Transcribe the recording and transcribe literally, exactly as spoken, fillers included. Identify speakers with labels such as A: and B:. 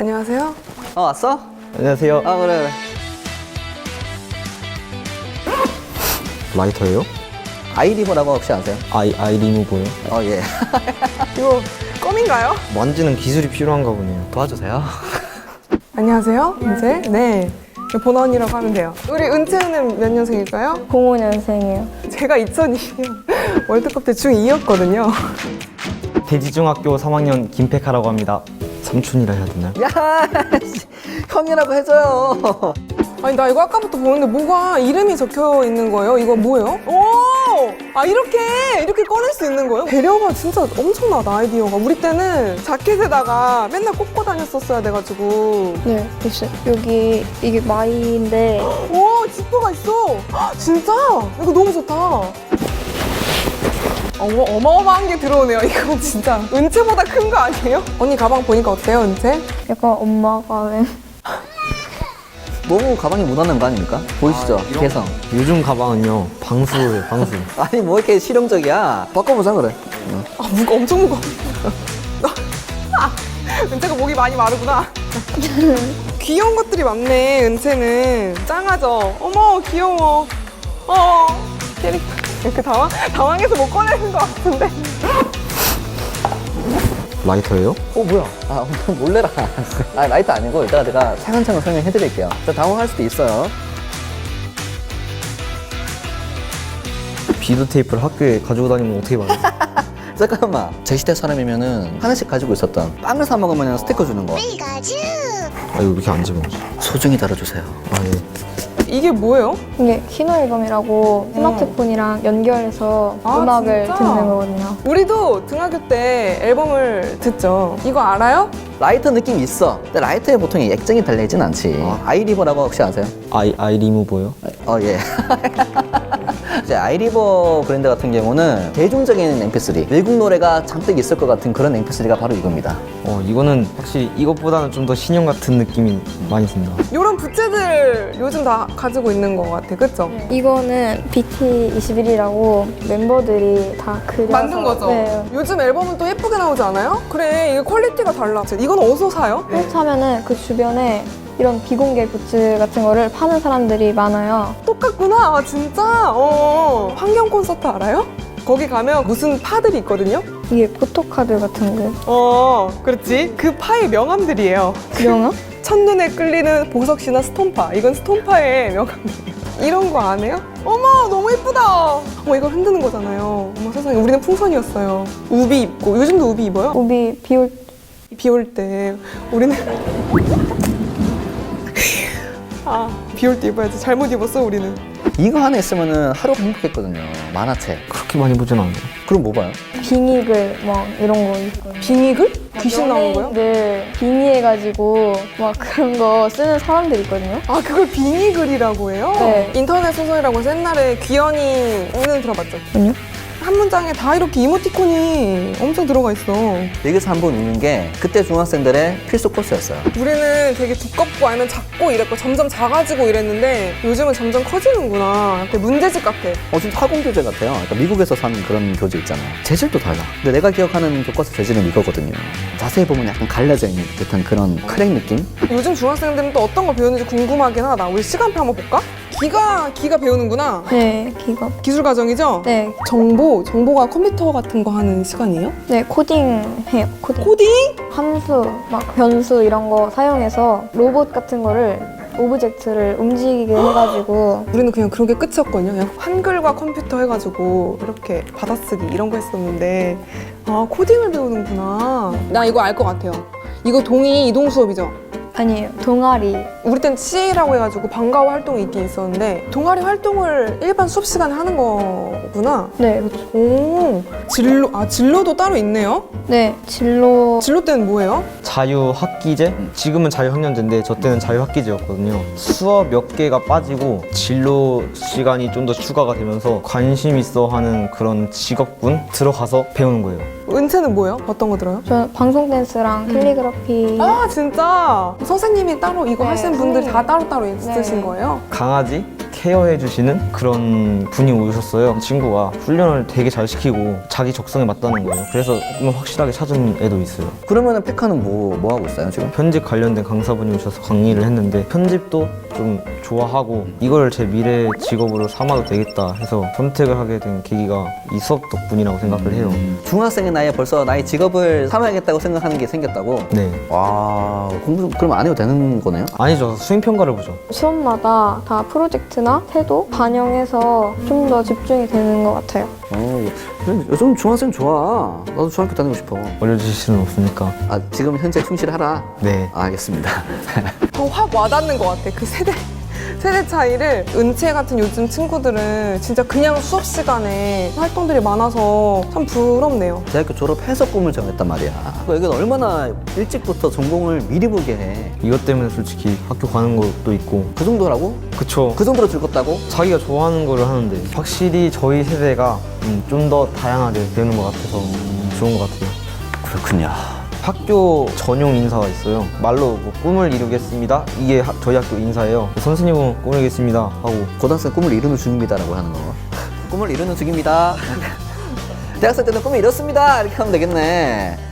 A: 안녕하세요.
B: 어 왔어?
C: 안녕하세요.
B: 아 그래 그래.
C: 라이터예요?
B: 아이리버라고 혹시 아세요?
C: 아이 아이 리무버요?
B: 어 예.
A: 이거 껌인가요?
C: 만지는 기술이 필요한가 보네요.
B: 도와주세요.
A: 안녕하세요. 은채. 네. 보나언니라고 하면 돼요. 우리 은채는 몇 년생일까요?
D: 공오 년생이에요.
A: 제가 이천이십 년 월드컵 때 중이였거든요.
C: 대지중학교 삼 학년 김백하라고 합니다. 삼촌이라 해야 되나요?
B: 야 씨, 형이라고 해줘요.
A: 아니 나 이거 아까부터 보는데 뭐가 이름이 적혀 있는 거예요? 이거 뭐예요? 오! 아 이렇게 이렇게 꺼낼 수 있는 거예요? 배려가 진짜 엄청나다 아이디어가. 우리 때는 자켓에다가 맨날 꽂고 다녔었어야 돼가지고.
D: 네, 있어요. 여기 이게 마이인데
A: 와 지퍼가 있어. 헉, 진짜? 이거 너무 좋다. 어머, 어마어마한 게 들어오네요. 이거 진짜 은채보다 큰 거 아니에요? 언니 가방 보니까 어때요, 은채?
D: 약간 엄마가 웬
B: 너무 가방이 묻어나는 거 아닙니까? 보이시죠?
C: 아, 이런-
B: 개성.
C: 요즘 가방은요 방수예요, 방수.
B: 아니 뭐 이렇게 실용적이야. 바꿔보자 그래. 응.
A: 아 무거 엄청 무거워. 아, 은채가 목이 많이 마르구나. 귀여운 것들이 많네. 은채는 짱하죠. 어머 귀여워. 어 캐릭터 이렇게 당황 당황해서 못 꺼내는 것 같은데.
C: 라이터예요?
B: 어 뭐야? 아 몰래라. 아 라이트 아니고 이따가 제가 차근차근 설명해드릴게요. 저 당황할 수도 있어요.
C: 비드 테이프를 학교에 가지고 다니면 어떻게 봐요?
B: 잠깐만. 제 시대 사람이면은 하나씩 가지고 있었던 빵을 사 먹으면 스티커 주는 거.
C: 아 이거 이렇게 안 집어넣지.
B: 소중히 다뤄주세요.
C: 아 예.
A: 이게 뭐예요?
D: 이게 키노 앨범이라고 스마트폰이랑 연결해서
A: 아,
D: 음악을
A: 진짜?
D: 듣는 거거든요.
A: 우리도 등학교 때 앨범을 듣죠. 이거 알아요?
B: 라이터 느낌 있어. 근데 라이터에 보통 액정이 달려있진 않지.
C: 아.
B: 아이리버라고 혹시 아세요?
C: 아이 아이 리무버요?
B: 어, 예. 이제 아이리버 브랜드 같은 경우는 대중적인 엠피쓰리, 외국 노래가 잔뜩 있을 것 같은 그런 엠피쓰리가 바로 이겁니다.
C: 어 이거는 확실히 이것보다는 좀 더 신형 같은 느낌이 많이 듭니다.
A: 이런 부채들 요즘 다 가지고 있는 것 같아. 그쵸?
D: 이거는 비티 이십일이라고 멤버들이 다 그려서
A: 만든 거죠?
D: 네.
A: 요즘 앨범은 또 예쁘게 나오지 않아요? 그래, 이게 퀄리티가 달라. 이건 어디서 사요?
D: 그렇다면은 그 주변에 이런 비공개 굿즈 같은 거를 파는 사람들이 많아요.
A: 똑같구나. 아, 진짜? 어. 환경 콘서트 알아요? 거기 가면 무슨 파들이 있거든요?
D: 이게 포토카드 같은 거.
A: 어, 그렇지. 그 파의 명함들이에요.
D: 명함?
A: 첫눈에 끌리는 보석시나 스톤파. 이건 스톤파의 명함이에요. 이런 거 안 해요? 어머, 너무 예쁘다. 어머, 이걸 흔드는 거잖아요. 어머, 세상에. 우리는 풍선이었어요. 우비 입고. 요즘도 우비 입어요?
D: 우비 비올
A: 비 올 때. 우리는. 아, 비 올 때 입어야지. 잘못 입었어, 우리는.
B: 이거 하나 있으면은 하루 행복했거든요. 만화책.
C: 그렇게 많이 보진 않아요.
B: 그럼 뭐 봐요?
D: 빙의글 막 이런 거 있거든요.
A: 빙의글? 귀신 나오는 거요?
D: 네, 빙의해가지고 막 그런 거 쓰는 사람들 있거든요.
A: 아, 그걸 빙의글이라고 해요?
D: 네.
A: 인터넷 소설이라고 해서 옛날에 귀연이는 들어봤죠?
D: 아니요?
A: 한 문장에 다 이렇게 이모티콘이 엄청 들어가 있어.
B: 여기서 한 번 읽는 게 그때 중학생들의 필수 코스였어요.
A: 우리는 되게 두껍고 아니면 작고 이랬고 점점 작아지고 이랬는데 요즘은 점점 커지는구나. 되게 문제집 같아.
B: 어, 진짜 학원 교재 같아요. 그러니까 미국에서 산 그런 교재 있잖아요. 재질도 달라. 근데 내가 기억하는 교과서 재질은 이거거든요. 자세히 보면 약간 갈라져 있는 듯한 그런 크랙 느낌?
A: 요즘 중학생들은 또 어떤 거 배우는지 궁금하긴 하다. 우리 시간표 한번 볼까? 기가, 기가 배우는구나.
D: 네, 기가.
A: 기술 과정이죠?
D: 네,
A: 정보, 정보가 컴퓨터 같은 거 하는 시간이에요?
D: 네, 코딩 해요, 코딩.
A: 코딩?
D: 함수, 막 변수 이런 거 사용해서 로봇 같은 거를 오브젝트를 움직이게 해가지고
A: 우리는 그냥 그런 게 끝이었거든요. 그냥 한글과 컴퓨터 해가지고 이렇게 받아쓰기 이런 거 했었는데 아 코딩을 배우는구나. 나 이거 알 것 같아요. 이거 동의 이동 수업이죠?
D: 아니에요, 동아리.
A: 우리 땐 씨라고 해가지고 방과후 활동이 있긴 있었는데 동아리 활동을 일반 수업 시간에 하는 거구나.
D: 네, 그렇죠.
A: 오 진로 아 진로도 따로 있네요.
D: 네, 진로.
A: 진로 때는 뭐예요?
C: 자유학기제? 지금은 자유학년제인데 저 때는 자유학기제였거든요. 수업 몇 개가 빠지고 진로 시간이 좀 더 추가가 되면서 관심 있어 하는 그런 직업군 들어가서 배우는 거예요.
A: 은채는 뭐예요? 어떤 거 들어요?
D: 저는 방송 댄스랑 캘리그라피.
A: 아 진짜 선생님이 따로 이거
D: 네,
A: 하시는 분들이 다
D: 선생님.
A: 따로따로 있으신
D: 네.
A: 거예요?
C: 강아지, 케어해 주시는 그런 분이 오셨어요. 친구가 훈련을 되게 잘 시키고 자기 적성에 맞다는 거예요. 그래서 꿈을 확실하게 찾은 애도 있어요.
B: 그러면은 페카는 뭐, 뭐 하고 있어요, 지금?
C: 편집 관련된 강사분이 오셔서 강의를 했는데 편집도 좀 좋아하고 이걸 제 미래 직업으로 삼아도 되겠다 해서 선택을 하게 된 계기가 이 수업 덕분이라고 생각을 해요.
B: 중학생의 나이에 벌써 나의 직업을 삼아야겠다고 생각하는 게 생겼다고?
C: 네.
B: 와, 공부 그럼 안 해도 되는 거네요?
C: 아니죠. 수행평가를 보죠.
D: 시험마다 다 프로젝트나 태도 반영해서 좀 더 집중이 되는 것 같아요.
B: 어, 요즘 중학생 좋아. 나도 중학교 다니고 싶어.
C: 올려주실 수는 없으니까.
B: 아, 지금 현재 충실하라?
C: 네.
B: 아, 알겠습니다.
A: 더 확 와닿는 것 같아. 그 세대 세대 차이를. 은채 같은 요즘 친구들은 진짜 그냥 수업 시간에 활동들이 많아서 참 부럽네요.
B: 대학교 졸업해서 꿈을 정했단 말이야. 여기는 얼마나 일찍부터 전공을 미리 보게 해.
C: 이것 때문에 솔직히 학교 가는 것도 있고
B: 그 정도라고?
C: 그쵸.
B: 그 정도로 즐겁다고?
C: 자기가 좋아하는 거를 하는데 확실히 저희 세대가 좀 더 다양하게 배우는 것 같아서 좋은 것 같아요.
B: 그렇군요.
C: 학교 전용 인사가 있어요. 말로 뭐 꿈을 이루겠습니다. 이게 하- 저희 학교 인사예요. 선생님은 꿈을 이루겠습니다 하고
B: 고등학생 꿈을 이루는 중입니다라고 하는 거. 꿈을 이루는 중입니다. 대학생 때는 꿈을 이뤘습니다. 이렇게 하면 되겠네.